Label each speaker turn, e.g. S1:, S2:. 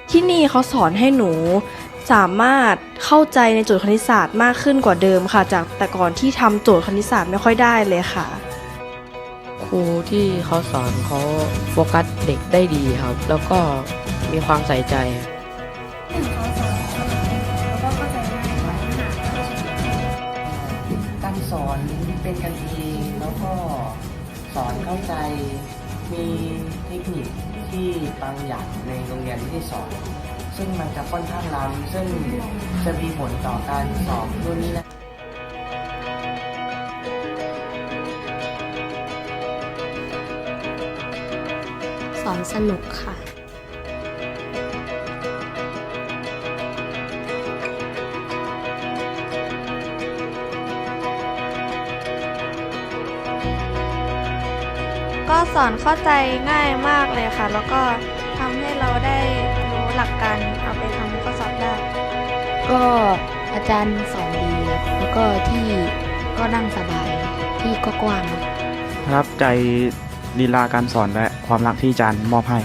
S1: ที่นี่เขาสอนให้หนูสามารถเข้าใจในโจทย์คณิตศาสตร์มากขึ้นกว่าเดิมค่ะจากแต่ก่อนที่ทำโจทย์คณิตศาสตร์ไม่ค่อยได้เลยค่ะ
S2: ครูที่เขาสอนเขาโฟกัสเด็กได้ดีครับ แล้วก็มีความใส่ใจ
S3: การสอนเป็นกันเองแล้วก็สอนเข้าใจมีเทคนิคที่บางอย่างในโรงเรียนไม่ได้สอน ซึ่งมันจะค่อนข้างล้ำซึ่งจะมีผลต่อการสอบรุ่นนี้นะ
S4: สอนสนุกค่ะ
S5: ก็สอนเข้าใจง่ายมากเลยค่ะ แล้วก็ทำให้เราได้รู้หลักการเอาไปทำข้อสอบได้
S4: ก็อาจารย์สอนดีครับแล้วก็ที่ก็นั่งสบายที่ก็กว้างครับ
S6: ประทับใจลีลาการสอนและความรักที่อาจารย์มอบให้